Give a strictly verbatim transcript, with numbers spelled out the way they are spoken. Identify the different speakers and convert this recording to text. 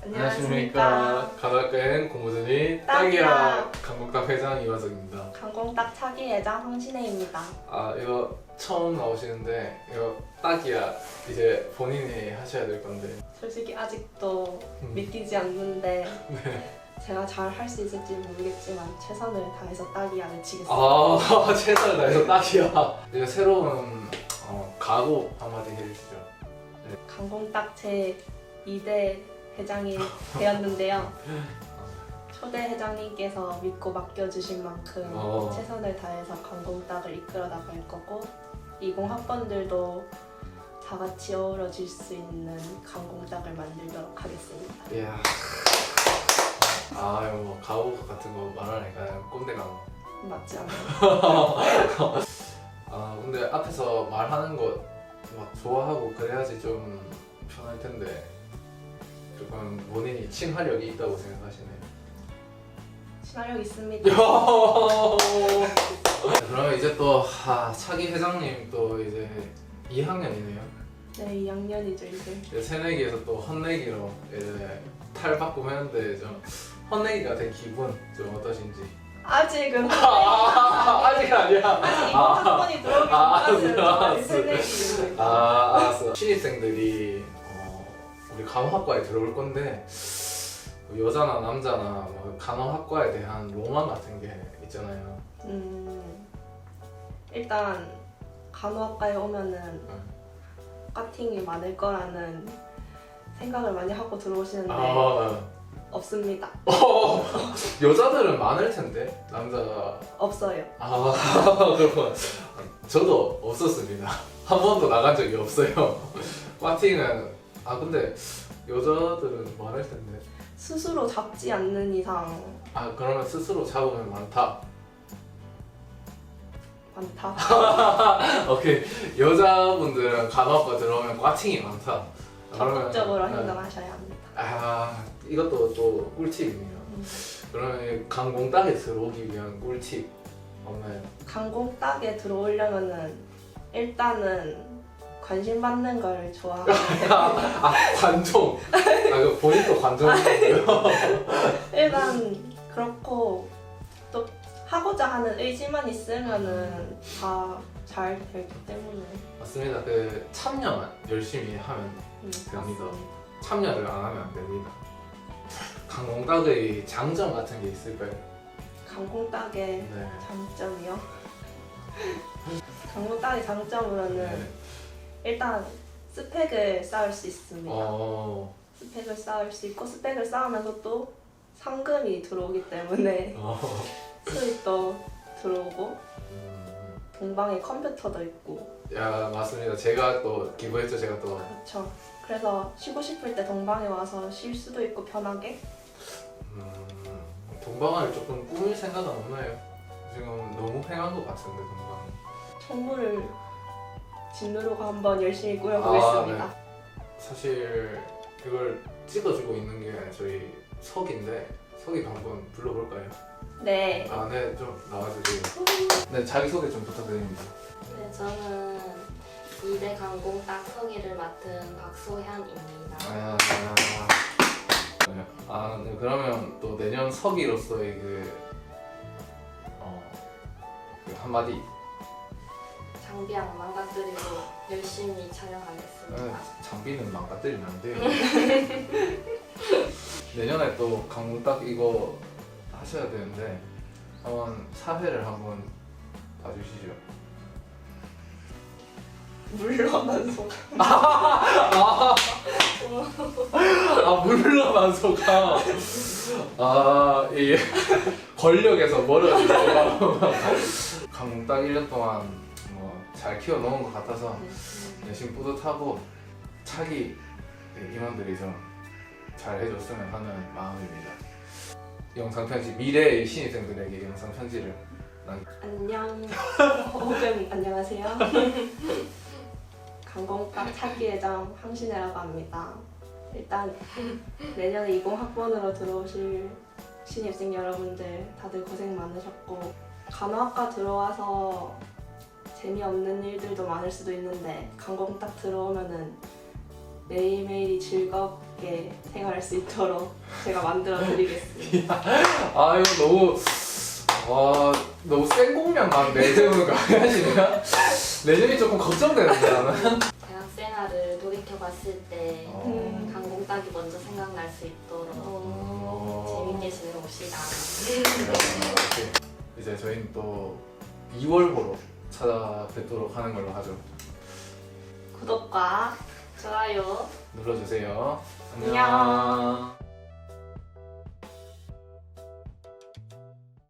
Speaker 1: 안녕하십니까. 간호학과엔 공무원이 딱이야 강공딱 회장 이화석입니다.
Speaker 2: 강공딱 차기 회장 황신혜입니다.
Speaker 1: 아 이거 처음 나오시는데 이거 딱이야 이제 본인이 하셔야 될 건데
Speaker 2: 솔직히 아직도
Speaker 1: 음.
Speaker 2: 믿기지 않는데
Speaker 1: 네.
Speaker 2: 제가 잘 할 수 있을지 모르겠지만 최선을 다해서 딱이야를 치겠습니다.
Speaker 1: 아 최선을 다해서 딱이야. 이제 새로운 어, 각오 한마디 해주시죠. 네.
Speaker 2: 강공딱 제 이 대 회장이 되었는데요. 초대 회장님께서 믿고 맡겨주신 만큼
Speaker 1: 어.
Speaker 2: 최선을 다해서 강공딱을 이끌어 나갈 거고 이십 학번들도 다 같이 어우러질 수 있는 강공딱을 만들도록 하겠습니다.
Speaker 1: 이야. 아 이거 뭐 가오 같은 거 말하니까 꼰대 가오.
Speaker 2: 맞지 않아요?
Speaker 1: 아 근데 앞에서 말하는 거 막 좋아하고 그래야지 좀 편할 텐데 조금 본인이 친화력이 있다고 생각하시네요.
Speaker 2: 친화력 있습니다.
Speaker 1: 그러면 이제 또 아, 차기 회장님 또 이제 이 학년이네요.
Speaker 2: 네, 이 학년이죠 이제.
Speaker 1: 이제 새내기에서 또 헛내기로 이제 탈바꿈했는데 좀 헛내기가 된 기분 좀 어떠신지?
Speaker 2: 아직은
Speaker 1: 아, 아직 아니야.
Speaker 2: 아직 이번 학번이 들어오기
Speaker 1: 아,
Speaker 2: 전까지는
Speaker 1: 알았어.
Speaker 2: 새내기입니다.
Speaker 1: 아 알았어. 신입생들이 어, 우리 간호학과에 들어올 건데 여자나 남자나 뭐 간호학과에 대한 로망 같은 게 있잖아요.
Speaker 2: 음, 일단 간호학과에 오면은
Speaker 1: 응.
Speaker 2: 과팅이 많을 거라는 생각을 많이 하고 들어오시는데
Speaker 1: 아,
Speaker 2: 없습니다.
Speaker 1: 어, 여자들은 많을 텐데 남자가
Speaker 2: 없어요.
Speaker 1: 아 그렇군. 저도 없었습니다. 한 번도 나간 적이 없어요. 과팅은 아 근데 여자들은 많을 텐데.
Speaker 2: 스스로 잡지 않는 이상
Speaker 1: 아 그러면 스스로 잡으면 많다.
Speaker 2: 많다.
Speaker 1: 오케이. 여자분들은 간호학과 들어오면 과팅이 많다. 그러면-
Speaker 2: 적극적으로
Speaker 1: 네.
Speaker 2: 행동하셔야 합니다.
Speaker 1: 아 이것도 또 꿀팁이네요.
Speaker 2: 음.
Speaker 1: 그러면 강공딱에 들어오기 위한 꿀팁 없나요?
Speaker 2: 강공딱에 들어오려면은 일단은 관심 받는 걸 좋아하면 돼요.
Speaker 1: 아 관종. 아 그 본인도 관종이고요.
Speaker 2: 일단 그렇고 또 하고자 하는 의지만 있으면은 다 잘 되기 때문에
Speaker 1: 맞습니다. 그 참여만 열심히 하면
Speaker 2: 음,
Speaker 1: 됩니다.
Speaker 2: 맞습니다.
Speaker 1: 참여를 안 하면 안 됩니다. 강공딱의 장점 같은 게 있을까요?
Speaker 2: 강공딱의
Speaker 1: 네.
Speaker 2: 장점이요? 강공딱의 장점으로는
Speaker 1: 네.
Speaker 2: 일단 스펙을 쌓을 수 있습니다.
Speaker 1: 어.
Speaker 2: 스펙을 쌓을 수 있고 스펙을 쌓으면서 또 상금이 들어오기 때문에
Speaker 1: 어.
Speaker 2: 수익도 들어오고
Speaker 1: 음.
Speaker 2: 동방에 컴퓨터도 있고
Speaker 1: 야 맞습니다. 제가 또 기부했죠. 제가 또.
Speaker 2: 그렇죠. 그래서 쉬고 싶을 때 동방에 와서 쉴 수도 있고 편하게.
Speaker 1: 음, 동방을 조금 꾸밀 생각은 없나요? 지금 너무 횡한 것 같은데 동방.
Speaker 2: 청구를 진로로 한번 열심히 꾸려보겠습니다.
Speaker 1: 아, 사실 이걸 찍어주고 있는 게 저희 석인데 석이도 한번 불러볼까요?
Speaker 2: 네.
Speaker 1: 아, 네, 좀 나와주세요. 네, 자기 소개 좀 부탁드립니다.
Speaker 3: 네, 저는 이 대 강공딱 서기를 맡은 박소현입니다.
Speaker 1: 아, 네. 아, 네, 그러면 또 내년 석이로서의 그, 어, 그 한마디.
Speaker 3: 장비 안 망가뜨리고 열심히 촬영하겠습니다.
Speaker 1: 네, 장비는 망가뜨리면 안 돼요. 내년에 또 강공딱 이거 하셔야 되는데 한번 사회를 한번 봐주시죠.
Speaker 2: 물러난 소감.
Speaker 1: 아 물러난 소감. 아 이게 권력에서 멀어진 소감. 강공딱 일 년 동안 뭐 잘 키워놓은 것 같아서 열심히 뿌듯하고 차기 임원들이 좀 잘 해줬으면 하는 마음입니다. 영상 편지 미래의 신입생들에게 영상 편지를 남.
Speaker 2: 안녕. 혹은 안녕하세요. 강공딱 차기 회장 황신혜라고 합니다. 일단 내년에 이십 학번으로 들어오실 신입생 여러분들 다들 고생 많으셨고 간호학과 들어와서 재미없는 일들도 많을 수도 있는데 강공딱 들어오면은 매일매일이 즐겁게 생활할 수 있도록 제가 만들어 드리겠습니다.
Speaker 1: 아 이거 너무 와 너무 센 공약 막 내세우는 거 아니야 지금? 내년이 조금 걱정되는데 나는.
Speaker 3: 대학 생활을 돌이켜 봤을 때
Speaker 1: 어.
Speaker 3: 강공 따기 먼저 생각날 수 있도록
Speaker 1: 어.
Speaker 3: 재밌게 지내봅시다.
Speaker 1: 이렇게 이제 저희는 또 이월호로 찾아뵙도록 하는 걸로 하죠.
Speaker 3: 구독과 좋아요
Speaker 1: 눌러주세요.
Speaker 3: 안녕.
Speaker 1: 안녕.